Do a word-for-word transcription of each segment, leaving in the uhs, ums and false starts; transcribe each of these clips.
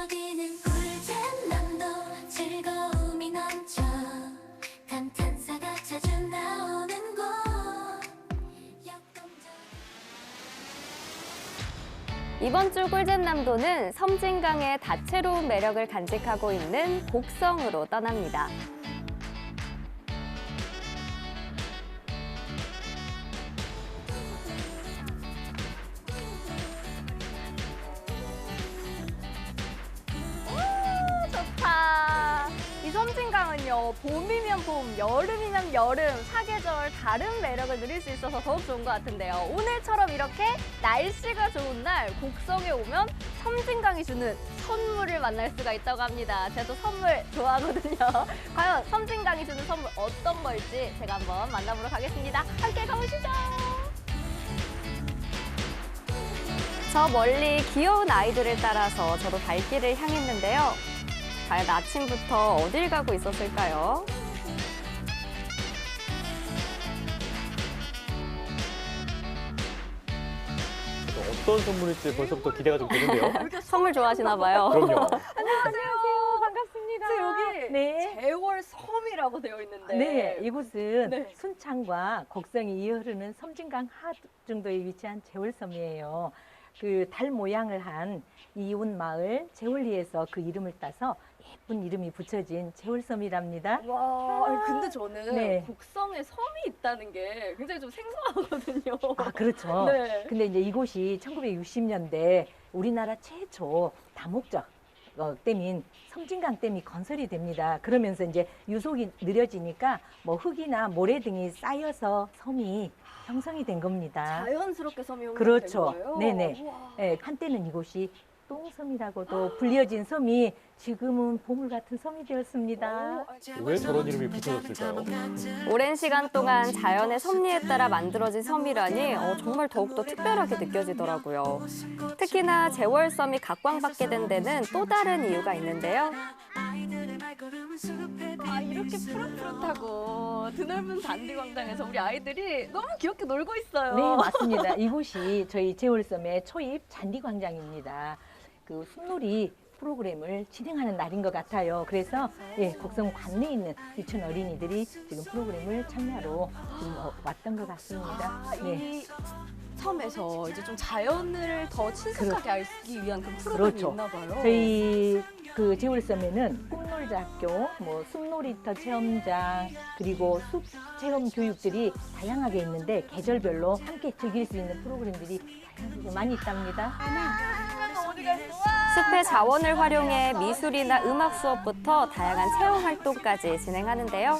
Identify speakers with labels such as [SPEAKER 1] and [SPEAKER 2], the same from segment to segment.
[SPEAKER 1] 여기는 꿀잼남도 즐거움이 넘쳐 감탄사가 자주 나오는 곳.
[SPEAKER 2] 이번 주 꿀잼남도는 섬진강의 다채로운 매력을 간직하고 있는 곡성으로 떠납니다. 오, 좋다. 이 섬진강은요, 봄이면 봄, 여름이면 여름, 사계절 다른 매력을 누릴 수 있어서 더욱 좋은 것 같은데요. 오늘처럼 이렇게 날씨가 좋은 날 곡성에 오면 섬진강이 주는 선물을 만날 수가 있다고 합니다. 제가 또 선물 좋아하거든요. 과연 섬진강이 주는 선물 어떤 걸지 제가 한번 만나보러 가겠습니다. 함께 가보시죠. 저 멀리 귀여운 아이들을 따라서 저도 발길을 향했는데요. 과연 아침부터 어딜 가고 있었을까요?
[SPEAKER 3] 어떤 선물일지 벌써부터 기대가 좀 되는데요.
[SPEAKER 2] 선물 좋아하시나 봐요.
[SPEAKER 3] 그럼요.
[SPEAKER 4] 안녕하세요. 반갑습니다.
[SPEAKER 2] 여기
[SPEAKER 4] 네.
[SPEAKER 2] 제월섬이라고 되어 있는데.
[SPEAKER 4] 네, 이곳은
[SPEAKER 2] 네.
[SPEAKER 4] 순창과 곡성이 이어 흐르는 섬진강 하두 정도에 위치한 제월섬이에요. 그 달 모양을 한 이웃 마을 제월리에서 그 이름을 따서 예쁜 이름이 붙여진 제월섬이랍니다.
[SPEAKER 2] 와, 아니, 근데 저는
[SPEAKER 4] 네.
[SPEAKER 2] 곡성에 섬이 있다는 게 굉장히 좀 생소하거든요.
[SPEAKER 4] 아, 그렇죠.
[SPEAKER 2] 네.
[SPEAKER 4] 근데 이제 이곳이 천구백육십 년대 우리나라 최초 다목적 어, 댐인 섬진강 댐이 건설이 됩니다. 그러면서 이제 유속이 느려지니까 뭐 흙이나 모래 등이 쌓여서 섬이 형성이 된 겁니다.
[SPEAKER 2] 자연스럽게 섬이 형성된
[SPEAKER 4] 그렇죠.
[SPEAKER 2] 거예요?
[SPEAKER 4] 네네.
[SPEAKER 2] 우와.
[SPEAKER 4] 예, 한때는 이곳이 똥섬이라고도 불려진 섬이 지금은 보물 같은 섬이 되었습니다.
[SPEAKER 3] 왜 저런 이름이 붙여졌을까요?
[SPEAKER 2] 오랜 시간 동안 자연의 섭리에 따라 만들어진 섬이라니 어, 정말 더욱더 특별하게 느껴지더라고요. 특히나 제월섬이 각광받게 된 데는 또 다른 이유가 있는데요. 아, 이렇게 푸릇푸릇하고 드넓은 잔디 광장에서 우리 아이들이 너무 귀엽게 놀고 있어요.
[SPEAKER 4] 네, 맞습니다. 이곳이 저희 제월섬의 초입 잔디광장입니다. 그 숲놀이 프로그램을 진행하는 날인 것 같아요. 그래서 예, 곡성 관내에 있는 유치원 어린이들이 지금 프로그램을 참여하러 지금 어, 왔던 것 같습니다.
[SPEAKER 2] 아,
[SPEAKER 4] 네.
[SPEAKER 2] 이 섬에서 이제 좀 자연을 더 친숙하게 알기 위한 그 프로그램이
[SPEAKER 4] 그렇죠.
[SPEAKER 2] 있나 봐요.
[SPEAKER 4] 저희 그 제월섬에는 꿈놀자 학교, 뭐 숲놀이터 체험장, 그리고 숲 체험 교육들이 다양하게 있는데 계절별로 함께 즐길 수 있는 프로그램들이 다양하게 많이 있답니다.
[SPEAKER 2] 숲의 자원을 활용해 미술이나 음악 수업부터 다양한 체험 활동까지 진행하는데요.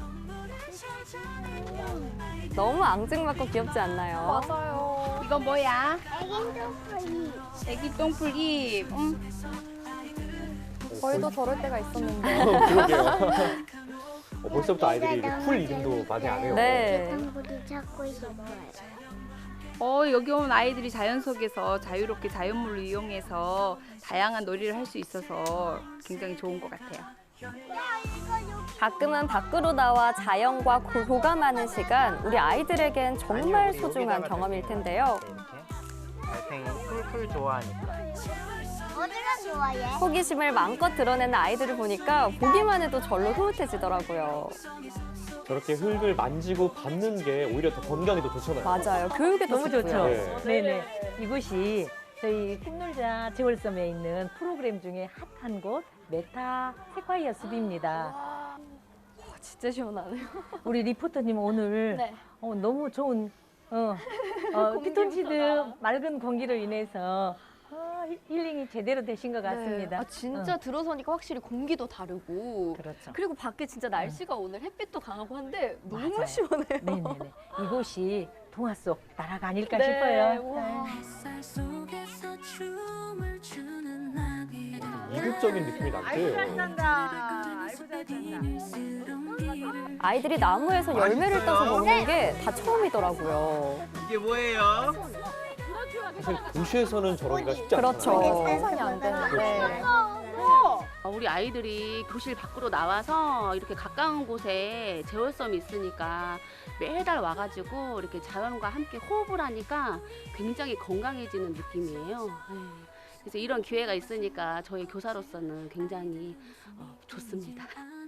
[SPEAKER 2] 너무 앙증맞고 귀엽지 않나요?
[SPEAKER 5] 맞아요. 이거 뭐야?
[SPEAKER 6] 애기 똥풀이.
[SPEAKER 5] 애기 똥풀이. 음.
[SPEAKER 2] 저희도 저럴 때가 있었는데.
[SPEAKER 3] 그러게요. 어, 벌써부터 아이들이 이렇게 풀 이름도 많이 안 해요.
[SPEAKER 2] 네.
[SPEAKER 6] 똥풀이 찾고 싶어요.
[SPEAKER 5] 어, 여기 온 아이들이 자연 속에서 자유롭게 자연물을 이용해서 다양한 놀이를 할 수 있어서 굉장히 좋은 것 같아요.
[SPEAKER 2] 가끔은 밖으로 나와 자연과 고- 교감하는 시간, 우리 아이들에겐 정말 소중한 경험일 텐데요.
[SPEAKER 7] 달팽이 풀풀 좋아하니까.
[SPEAKER 6] 어디가 좋아해?
[SPEAKER 2] 호기심을 마음껏 드러내는 아이들을 보니까 보기만 해도 절로 흐뭇해지더라고요.
[SPEAKER 3] 저렇게 흙을 만지고 밟는 게 오히려 더 건강에 더 좋잖아요.
[SPEAKER 2] 맞아요. 교육에
[SPEAKER 4] 너무
[SPEAKER 2] 좋고요.
[SPEAKER 4] 좋죠.
[SPEAKER 3] 네.
[SPEAKER 4] 네네. 이곳이 저희 꿈놀자 제월섬에 있는 프로그램 중에 핫한 곳 메타 세콰이어 숲입니다.
[SPEAKER 2] 와, 진짜 시원하네요.
[SPEAKER 4] 우리 리포터님 오늘
[SPEAKER 2] 네.
[SPEAKER 4] 어, 너무 좋은 어, 어,
[SPEAKER 2] 공기부터가.
[SPEAKER 4] 피톤치드 맑은 공기로 인해서 어, 힐- 힐링이 제대로 되신 것 같습니다.
[SPEAKER 2] 아, 진짜 들어서니까 확실히 공기도 다르고.
[SPEAKER 4] 그렇죠.
[SPEAKER 2] 그리고 밖에 진짜 날씨가 오늘 햇빛도 강하고 한데 너무
[SPEAKER 4] 맞아요.
[SPEAKER 2] 시원해요.
[SPEAKER 4] 네네네. 이곳이 동화 속 나라가 아닐까
[SPEAKER 2] 네,
[SPEAKER 4] 싶어요.
[SPEAKER 2] 우와.
[SPEAKER 1] 햇살 속에서 춤을 추는 나비.
[SPEAKER 3] 이국적인 느낌이 나고요.
[SPEAKER 5] 짠다. 아이고 잘 짠다.
[SPEAKER 2] 아이들이 나무에서 열매를 따서 먹는 게 다 처음이더라고요.
[SPEAKER 7] 이게 뭐예요?
[SPEAKER 3] 사실 도시에서는 저러기가 쉽지 않잖아요.
[SPEAKER 2] 그렇죠.
[SPEAKER 6] 살상이
[SPEAKER 2] 안 되는데.
[SPEAKER 5] 어, 우리 아이들이 교실 밖으로 나와서 이렇게 가까운 곳에 제월섬이 있으니까 매달 와가지고 이렇게 자연과 함께 호흡을 하니까 굉장히 건강해지는 느낌이에요. 네. 그래서 이런 기회가 있으니까 저희 교사로서는 굉장히 어, 좋습니다.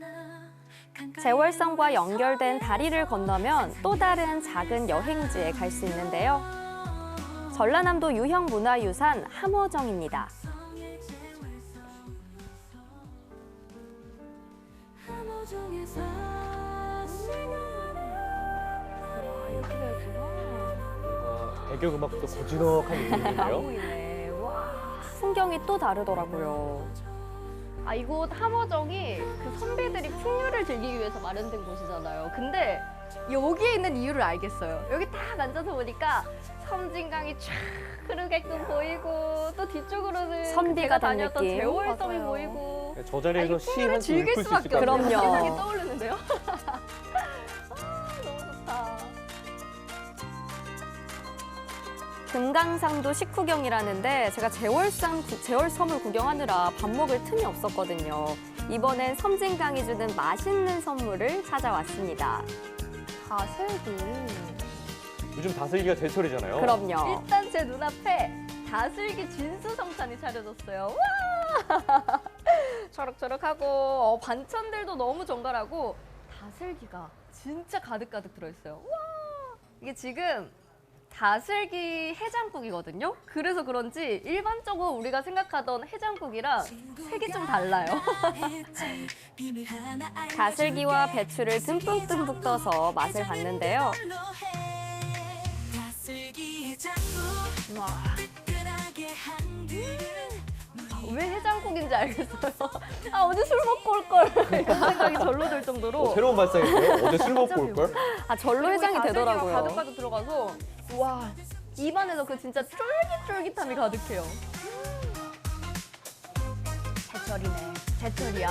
[SPEAKER 2] 제월섬과 연결된 다리를 건너면 또 다른 작은 여행지에 갈 수 있는데요. 전라남도 유형문화유산 함어정입니다.
[SPEAKER 3] 뭔가 배경음악도 고즈넉한 느낌인데요.
[SPEAKER 2] 보이네. 와, 풍경이 또 다르더라고요. 아, 이곳 함어정이 그 선비들이 풍류를 즐기기 위해서 마련된 곳이잖아요. 근데 여기에 있는 이유를 알겠어요. 여기 딱 앉아서 보니까 섬진강이 쫙 흐르게끔 보이고 또 뒤쪽으로는 선비가 제가 다녔던 된 느낌. 제월섬이
[SPEAKER 5] 맞아요.
[SPEAKER 2] 보이고
[SPEAKER 3] 저 자리에서
[SPEAKER 2] 아,
[SPEAKER 3] 시
[SPEAKER 2] 풍류를
[SPEAKER 3] 한 수
[SPEAKER 2] 즐길
[SPEAKER 3] 읽을 수 있을
[SPEAKER 2] 수밖에
[SPEAKER 3] 것 같아요.
[SPEAKER 2] 없네요.
[SPEAKER 3] 요
[SPEAKER 2] 생각이 떠오르는데요. 아, 너무 좋다. 금강산도 식후경이라는데 제가 제월산, 제월섬을 구경하느라 밥 먹을 틈이 없었거든요. 이번엔 섬진강이 주는 맛있는 선물을 찾아왔습니다. 다슬기.
[SPEAKER 3] 요즘 다슬기가 제철이잖아요.
[SPEAKER 2] 그럼요. 일단 제 눈앞에 다슬기 진수성찬이 차려졌어요. 와! 초록초록하고 어, 반찬들도 너무 정갈하고 다슬기가 진짜 가득가득 들어있어요. 와! 이게 지금 다슬기 해장국이거든요. 그래서 그런지 일반적으로 우리가 생각하던 해장국이랑 색이 좀 달라요. 다슬기와 배추를 듬뿍듬뿍 떠서 맛을 봤는데요. 와. 왜 해장국인지 알겠어요. 아, 어제 술 먹고 올 걸. 이런 생각이 절로 들 정도로.
[SPEAKER 3] 어, 새로운 발상인데요. 어제 술 먹고 올 걸.
[SPEAKER 2] 아, 절로 해장이
[SPEAKER 8] 다슬기가
[SPEAKER 2] 되더라고요.
[SPEAKER 8] 가득가득 들어가서
[SPEAKER 2] 와, 입안에서 그 진짜 쫄깃쫄깃함이 가득해요. 제철이네. 제철이야.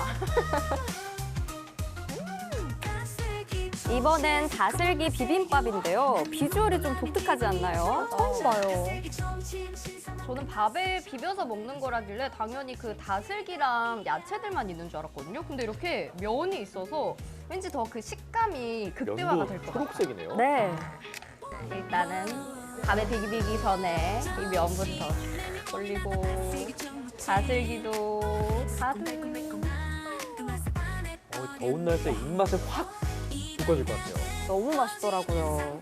[SPEAKER 2] 이번엔 다슬기 비빔밥인데요. 비주얼이 좀 독특하지 않나요? 처음 봐요. 저는 밥에 비벼서 먹는 거라길래 당연히 그 다슬기랑 야채들만 있는 줄 알았거든요. 근데 이렇게 면이 있어서 왠지 더 그 식감이 극대화가 될 것 같아요.
[SPEAKER 3] 초록색이네요.
[SPEAKER 2] 네. 일단은 밥에 비비기 전에 이 면부터 쫙 올리고 다슬기도 가득.
[SPEAKER 3] 어, 더운 날씨에 입맛에 확 돋궈질 것 같아요.
[SPEAKER 2] 너무 맛있더라고요.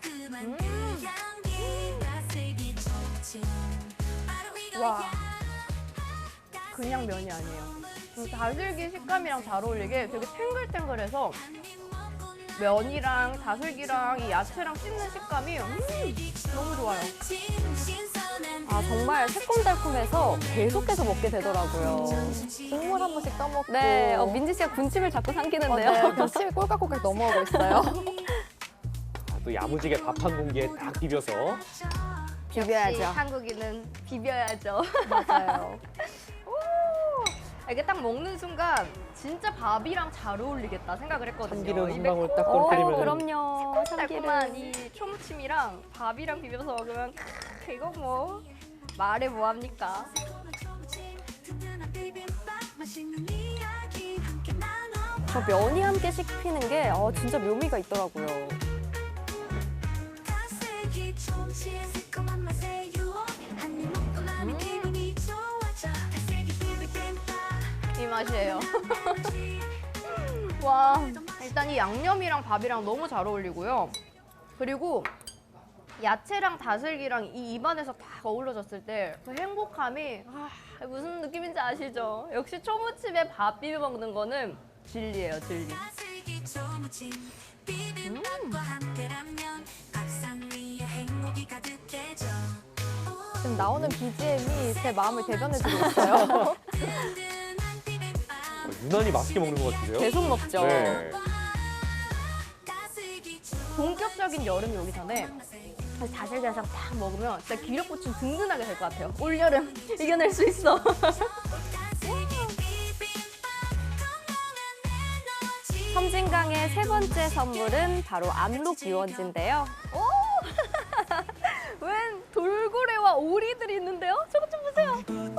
[SPEAKER 8] 와 그냥 면이 아니에요. 그 다슬기 식감이랑 잘 어울리게 되게 탱글탱글해서 면이랑 다슬기랑 이 야채랑 씹는 식감이 음, 너무 좋아요.
[SPEAKER 2] 아, 정말 새콤달콤해서 계속해서 먹게 되더라고요.
[SPEAKER 8] 국물 한 번씩 떠먹고.
[SPEAKER 2] 네, 어, 민지 씨가 군침을 자꾸 삼키는데요.
[SPEAKER 8] 네, 그냥 침이 꼴깍꼴깍 넘어가고 있어요.
[SPEAKER 3] 아, 또 야무지게 밥 한 공기에 딱 비벼서
[SPEAKER 2] 비벼야죠.
[SPEAKER 8] 한국인은 비벼야죠.
[SPEAKER 2] 맞아요.
[SPEAKER 8] 이게 딱 먹는 순간 진짜 밥이랑 잘 어울리겠다 생각을 했거든요.
[SPEAKER 3] 참기름
[SPEAKER 8] 이
[SPEAKER 3] 한 방울 딱
[SPEAKER 2] 오,
[SPEAKER 3] 떨어뜨리면
[SPEAKER 2] 그럼요.
[SPEAKER 8] 달콤한
[SPEAKER 2] 참기름.
[SPEAKER 8] 이 초무침이랑 밥이랑 비벼서 먹으면 크, 이거 뭐 말해 뭐합니까?
[SPEAKER 2] 저 면이 함께 씹히는 게 어, 진짜 묘미가 있더라고요.
[SPEAKER 8] 이 맛이에요. 와, 일단 이 양념이랑 밥이랑 너무 잘 어울리고요. 그리고 야채랑 다슬기랑 이 입안에서 딱 어우러졌을 때 그 행복함이 아, 무슨 느낌인지 아시죠? 역시 초무침에 밥 비벼 먹는 거는 진리예요, 진리. 음. 지금 나오는 비지엠이 제 마음을 대변해주고 있어요.
[SPEAKER 3] 어, 유난히 맛있게 먹는 것 같은데요.
[SPEAKER 2] 계속 먹죠.
[SPEAKER 3] 네.
[SPEAKER 8] 본격적인 여름이 오기 전에 다슬다슬 딱 먹으면 진짜 기력 보충 든든하게 될 것 같아요. 올여름 이겨낼 수 있어.
[SPEAKER 2] 섬진강의 세 번째 선물은 바로 압록 유원지인데요.
[SPEAKER 8] 웬 돌고래와 오리들이 있는데요? 저것 좀 보세요.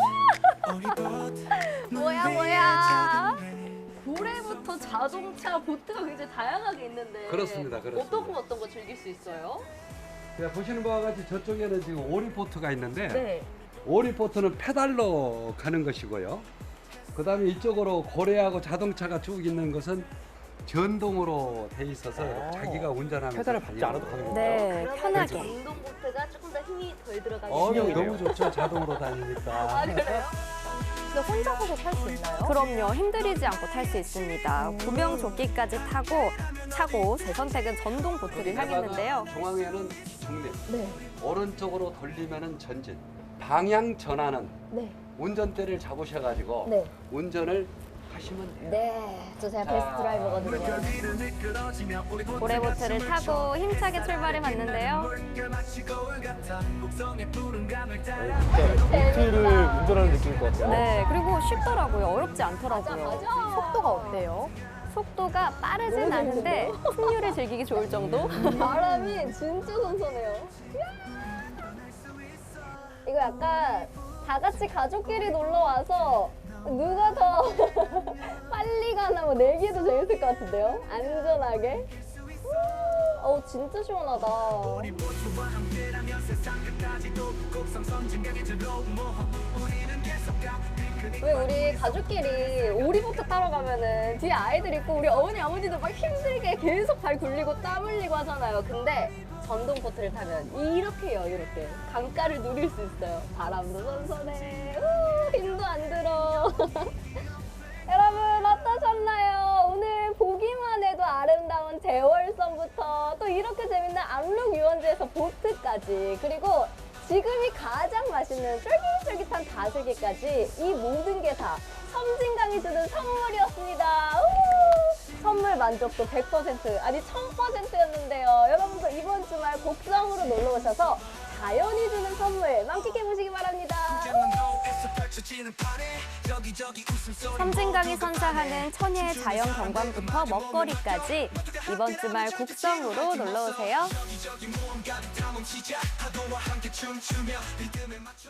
[SPEAKER 8] 뭐야 뭐야. 고래부터 자동차, 보트가 굉장히 다양하게 있는데
[SPEAKER 9] 그렇습니다, 그렇습니다.
[SPEAKER 8] 어떤 거 어떤 거 즐길 수 있어요?
[SPEAKER 9] 네, 보시는 바와 같이 저쪽에는 지금 오리보트가 있는데
[SPEAKER 8] 네.
[SPEAKER 9] 오리포트는 페달로 가는 것이고요. 그 다음에 이쪽으로 고래하고 자동차가 쭉 있는 것은 전동으로 돼 있어서
[SPEAKER 3] 아,
[SPEAKER 9] 자기가 운전하면서
[SPEAKER 3] 페달을 밟지 않아도 가는군요.
[SPEAKER 2] 네, 편하게.
[SPEAKER 4] 전동 보트가 조금 더 힘이 덜 들어가게.
[SPEAKER 9] 어,
[SPEAKER 3] 신형이네요.
[SPEAKER 9] 너무 좋죠. 자동으로 다니니까.
[SPEAKER 2] 근데 혼자서도 탈 수 있나요? 그럼요. 힘들이지 않고 탈 수 있습니다. 구명 조끼까지 타고 차고 제 선택은 전동 보트를 향했는데요.
[SPEAKER 9] 중앙에는 중립,
[SPEAKER 2] 네.
[SPEAKER 9] 오른쪽으로 돌리면은 전진. 방향 전환은
[SPEAKER 2] 네.
[SPEAKER 9] 운전대를 잡으셔가지고
[SPEAKER 2] 네.
[SPEAKER 9] 운전을 하시면 돼요.
[SPEAKER 2] 네, 저 제가
[SPEAKER 9] 자,
[SPEAKER 2] 베스트 드라이버거든요. 고래보트를 타고 힘차게 출발해 봤는데요.
[SPEAKER 3] 보트를 운전하는 느낌일 것 같아요.
[SPEAKER 2] 네, 그리고 쉽더라고요. 어렵지 않더라고요. 속도가 어때요? 속도가 빠르진 않은데 풍류를 즐기기 좋을 정도? 바람이 진짜 선선해요. 이거 약간 다 같이 가족끼리 놀러 와서 누가 더 빨리 가나 뭐 내기도 재밌을 것 같은데요? 안전하게. 어우 진짜 시원하다. 왜 우리 가족끼리 오리보트 타러 가면은 뒤에 아이들 있고 우리 어머니 아버지도 막 힘들게 계속 발 굴리고 땀 흘리고 하잖아요. 근데 전동 보트를 타면 이렇게 여유롭게 강가를 누릴 수 있어요. 바람도 선선해. 우, 힘도 안 들어. 여러분 어떠셨나요? 오늘 보기만 해도 아름다운 제월섬부터 또 이렇게 재밌는 압록 유원지에서 보트까지 그리고 지금이 가장 맛있는 쫄깃쫄깃한 다슬기까지 이 모든 게 다 섬진강이 주는 선물이었습니다. 우! 선물 만족도 백 퍼센트 아니 천 퍼센트였는데요. 여러분도 이번 주말 곡성으로 놀러 오셔서 자연이 주는 선물 만끽해 보시기 바랍니다. 섬진강이 선사하는 천혜의 자연 경관부터 먹거리까지 이번 주말 곡성으로 놀러 오세요.